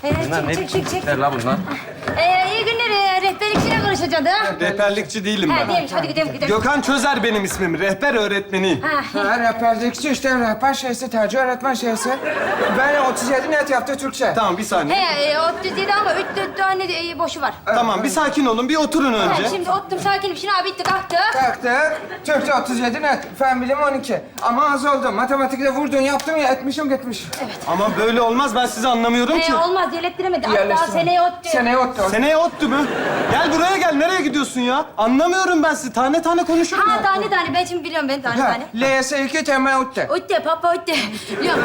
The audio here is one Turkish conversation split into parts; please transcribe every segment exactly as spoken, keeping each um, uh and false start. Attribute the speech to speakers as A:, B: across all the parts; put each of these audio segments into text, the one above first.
A: Ee,
B: Bunlar
A: çek,
B: ne
A: çek,
B: biçim
A: çek, çek.
B: tipler la bunlar?
A: Ee, iyi günler. Ee, rehberlikçiyle konuşacağız ha.
C: Rehberlikçi değilim
A: Ha,
C: ben.
A: değilmiş. Hadi gidelim, gidelim.
C: Gökhan Çözer benim ismim. Rehber öğretmeniyim.
A: Ha.
D: Ha, rehberlikçi işte rehber şeysi, tercih öğretmen şeysi. Ben otuz yedi net yaptı Türkçe.
C: Tamam bir saniye.
A: He, e, otuz yedi ama üç dört tane e, boşu var.
C: Tamam bir sakin olun. Bir oturun
A: Ha,
C: önce.
A: şimdi ottum, sakinim. Şimdi abi bitti, kalktı.
D: Kalktı. Türkçe otuz yedi net. Fen bilimi on iki. Ama az oldu. Matematikte vurdun yaptım ya etmişim gitmiş.
C: Ama böyle olmaz. Ben sizi anlamıyorum ki.
A: Ee, olmaz, yelettiremedi. Hatta
D: Yerleştirme.
A: seneye ottu.
D: Seneye ottu.
C: Seneye ottu mu? Gel buraya gel. Nereye gidiyorsun ya? Anlamıyorum ben sizi. Tane tane konuşurum.
A: Ha, tane tane. Ben şimdi biliyorum, ben tane
D: Ha,
A: tane.
D: L S iki temel ottu.
A: Otte, papa otte. Biliyorum.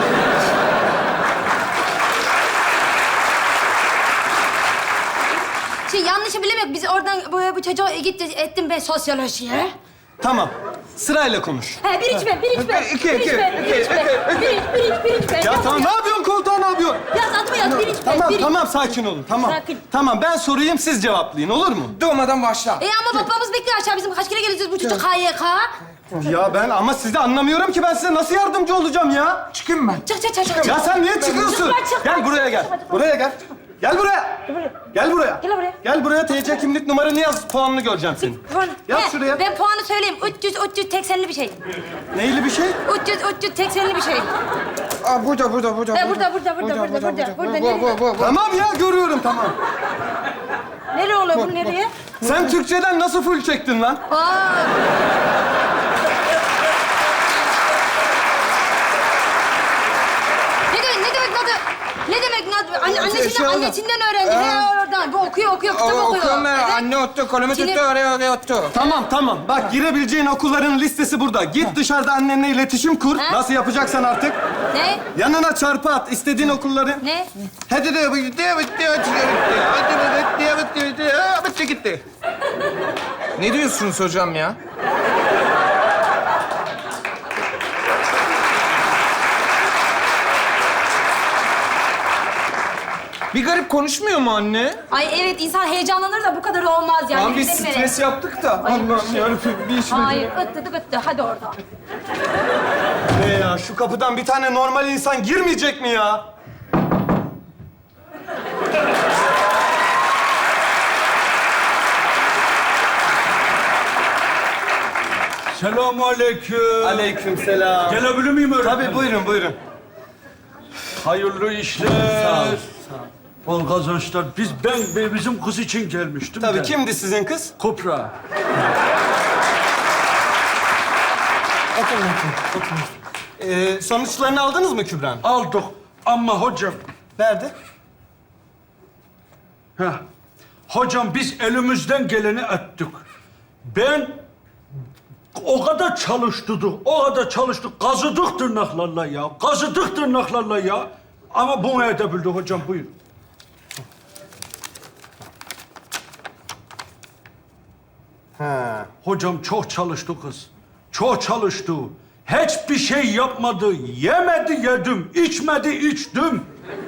A: Şey, yanlışı bilemek. Biz oradan bu, bu çocuğa gitti, ettim ben sosyolojiye.
C: Tamam. Sırayla konuş.
A: He, bir iç ben, bir iç ben.
D: İki,
A: bir
D: iki,
A: iç ben, bir iç ben. Bir iç, bir iç, bir iç ben.
C: Ya
A: Yaz,
C: tamam. Ne
A: yaz.
C: yapıyorsun komutan? Ne yapıyorsun?
A: Yaz, adımı yaz, bir iç ben,
C: Tamam
A: bir iç.
C: tamam sakin olun. Tamam.
A: Sakin.
C: Tamam ben sorayım siz cevaplayın. Olur mu?
D: Doğmadan başla.
A: E ama babamız bekliyor aşağı. Bizim kaç kere geleceğiz bu çocuk K Y K?
C: Ya ben ama sizi anlamıyorum ki ben size nasıl yardımcı olacağım ya?
D: Çıkayım ben.
A: Çık, çık, çık, çık.
C: Ya sen niye çıkıyorsun?
A: Çıkma, çıkma,
C: Gel buraya gel.
A: çıkma, çıkma.
C: Buraya gel. Gel buraya. Gel buraya.
A: Gel buraya.
C: Gel buraya T C kimlik numaranı yaz. Puanını göreceğim senin.
A: Puan.
C: Yaz
A: He,
C: şuraya.
A: Ben puanı söyleyeyim. üç yüz, üç yüz seksenli bir şey.
C: Neyli bir şey?
A: üç yüz, üç yüz seksenli bir şey.
D: Aa, burada, burada, burada.
A: He, burada, burada, burada, burada, burada, burada.
D: Bu, bu, bu, bu.
C: Tamam ya görüyorum tamam.
A: Nereye oluyor bu, nereye?
C: Sen Türkçeden nasıl full çektin lan?
A: Aa. Ne demek, ne demek nadı? Ne demek nadı? Anne, annesinden,
D: şey oldu.
A: annesinden öğrendi. He, oradan. Bu okuyor, okuyor, kitap
D: O,
A: okuyor.
D: okuyorum ben.
A: Evet.
D: Anne ottu, kolumu
A: Sinir-
D: tuttu, oraya oraya ottu.
C: Tamam tamam. Bak girebileceğin okulların listesi burada. Git dışarıda annenle iletişim kur.
A: Ha?
C: Nasıl yapacaksan artık.
A: Ne?
C: Yanına çarpı at istediğin okulları.
A: Ne?
D: Hadi de bitti, bitti, bitti, bitti, bitti, bitti, bitti, bitti, gitti. Ne diyorsunuz hocam ya? Bir garip konuşmuyor mu anne?
A: Ay evet, insan heyecanlanır da bu kadar olmaz yani.
D: Lan biz
A: Benim hele.
D: stres yaptık da. Allah'ım yarabbim bir iş mi?
A: Hayır, ıttı ıttı. Hadi orada.
C: Ne ya şu kapıdan bir tane normal insan girmeyecek mi ya?
E: Selamun aleyküm.
C: Aleykümselam.
E: Gelebilir miyim öğretmenim?
C: Tabii buyurun buyurun.
E: Hayırlı işler.
C: Sağ ol.
E: Bol kazançlar. Biz, ben, ben bizim kız için gelmiştim
C: Tabii
E: de.
C: kimdi sizin kız?
E: Kopra.
C: Ee, sonuçlarını aldınız mı Kübra'nın?
E: Aldık. Ama hocam...
C: Nerede?
E: Heh. Hocam biz elimizden geleni ettik. Ben o kadar çalıştırdık, o kadar çalıştık. Kazıdık tırnaklarla ya. Kazıdık tırnaklarla ya. Ama bunu edebildik hocam. Buyurun.
C: Ha.
E: Hocam çok çalıştı kız. Çok çalıştı. Hiçbir şey yapmadı. Yemedi yedim, içmedi içtim.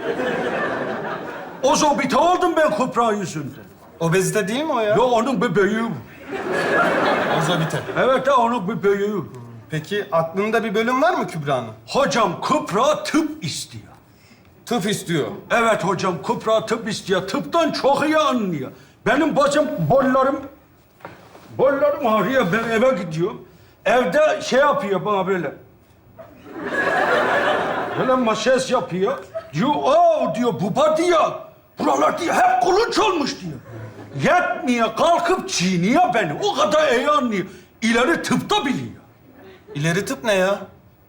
E: Ozobite oldum ben Kupra yüzünden.
C: Obezite değil mi o ya?
E: Ya onun bebeği.
C: Ozobite.
E: Evet ya onun bebeği.
C: Peki aklında bir bölüm var mı Kübra'nın?
E: Hocam Kupra tıp istiyor.
C: Tıp istiyor.
E: Evet hocam Kupra tıp istiyor. Tıptan çok iyi anlıyor. Benim bacım bollarım, bollarım ağrıyor. Ben eve gidiyorum. Evde şey yapıyor bana böyle. Böyle maşez yapıyor. Diyor, aa diyor, baba diyor. Buralar diyor, hep kulunç olmuş diyor. Yetmiyor, kalkıp çiğniyor beni. O kadar iyi anlıyor. İleri tıpta biliyor.
C: İleri tıp ne ya?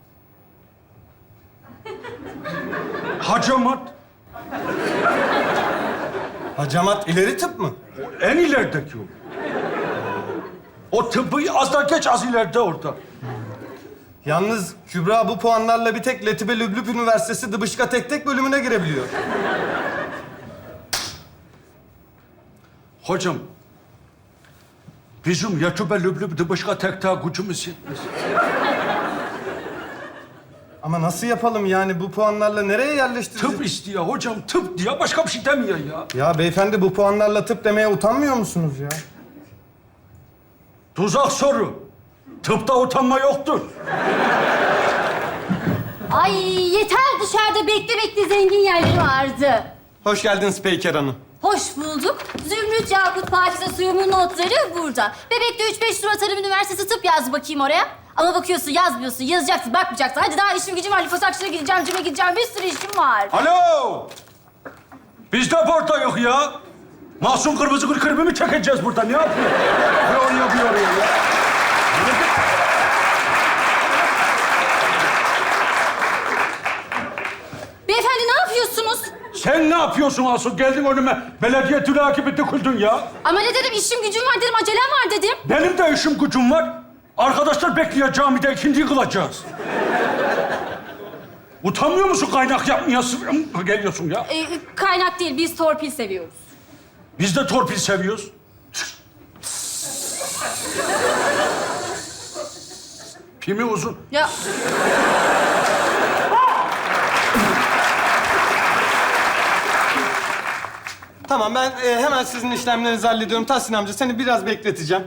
E: Hacamat,
C: Hacamat ileri tıp mı?
E: en ilerideki o. O tıbbı az da geç, az ileride orada.
C: Yalnız Kübra bu puanlarla bir tek Letibe Lüblüp Üniversitesi Dıbışka Tek Tek bölümüne girebiliyor.
E: Hocam, bizim Yatube Lüblüb'de başka tek daha gücümüz yetmez.
C: Ama nasıl yapalım yani bu puanlarla nereye yerleştireceğiz?
E: Tıp istiyor hocam, tıp diyor. Başka bir şey demiyor ya.
C: Ya beyefendi bu puanlarla tıp demeye utanmıyor musunuz ya?
E: Tuzak soru. Tıpta utanma yoktur.
A: Ay yeter, dışarıda bekle bekle zengin yerleri vardı.
C: Hoş geldiniz Peyker Hanım.
A: Hoş bulduk. Zümrüt Yakut Pakize suyumun notları burada. Bebekte üç beş Durat Tarım Üniversitesi tıp yaz bakayım oraya. Ama bakıyorsun yazmıyorsun, yazacaksın, bakmayacaksın. Hadi daha işim gücüm var. Lifosakçı'na gideceğim, cime gideceğim. Bir sürü işim var.
E: Alo! Biz de burada yok ya. Masum kırmızı gül kırmızı mı çekeceğiz burada? Ne yapıyor? Bir oraya bir oraya ya.
A: Beyefendi ne yapıyorsunuz?
E: Sen ne yapıyorsun Asu? Geldin önüme. Belediye tülaki döküldün ya.
A: Ama ne dedim, işim gücüm var dedim, acelem var dedim.
E: Benim de işim gücüm var. Arkadaşlar bekliyor camide ikinciyi kılacağız. Utanmıyor musun kaynak yapmaya sı- geliyorsun ya?
A: Ee, kaynak değil, biz torpil seviyoruz.
E: Biz de torpil seviyoruz. Pimi uzun.
A: Ya
C: Tamam ben e, hemen sizin işlemlerinizi hallediyorum. Tahsin amca seni biraz bekleteceğim.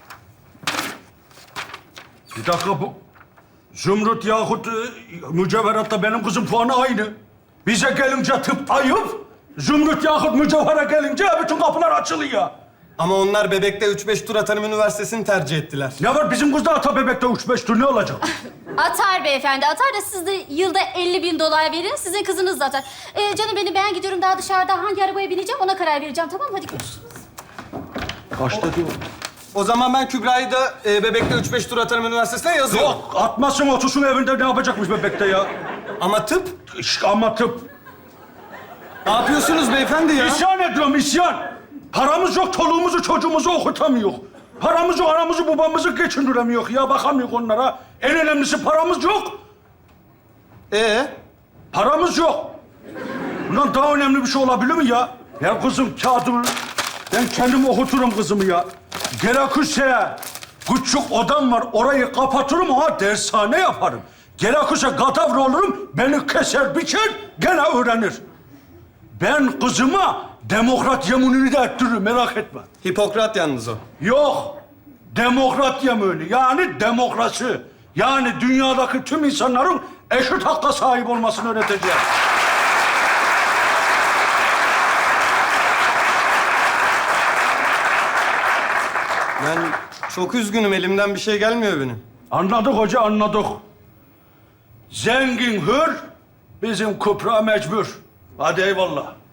E: Bir dakika bu... Zümrüt yahut e, mücevheratta benim kızım puanı aynı. Bize gelince tıp ayıp. Zümrüt yahut mücevhere gelince bütün kapılar açılıyor.
C: Ama onlar bebekte üç beş Durat Hanım Üniversitesi'ni tercih ettiler.
E: Ne var bizim kız da ata bebekte üç beş tur ne olacak?
A: atar beyefendi, atar da siz de yılda elli bin dolar verin. Sizin kızınız da atar. Ee, canım benim, ben gidiyorum daha dışarıda. Hangi arabaya bineceğim ona karar vereceğim, tamam mı? Hadi görüşürüz.
E: Kaçta diyor?
C: O zaman ben Kübra'yı da e, bebekte üç beş Durat Hanım Üniversitesi'ne yazıyorum.
E: Yok, atmasın otursun evinde ne yapacakmış bebekte ya?
C: Ama tıp?
E: İşte ama tıp.
C: Ne yapıyorsunuz beyefendi ya?
E: İsyan ediyorum, isyan. Paramız yok, çoluğumuzu çocuğumuzu okutamıyor. Paramız yok, anamızı babamızı geçindiremiyor ya. Bakamıyor onlara. En önemlisi paramız yok.
C: Ee?
E: Paramız yok. Bundan daha önemli bir şey olabilir mi ya? Ya kızım kağıdımı... Ben kendim okuturum kızımı ya. Gerekirse küçük odam var, orayı kapatırım, ha dershane yaparım. Gerekirse gadavra olurum, beni keser biçer, gene öğrenir. Ben kızıma demokrat yeminini de ettiririm, merak etme.
C: Hipokrat yalnız o.
E: Yok, demokrat yemini, yani demokrasi. Yani dünyadaki tüm insanların eşit hakka sahip olmasını öğreteceğim.
C: Ben çok üzgünüm, elimden bir şey gelmiyor benim.
E: Anladık hoca, anladık. Zengin hür, bizim Kübra mecbur. Hadi eyvallah.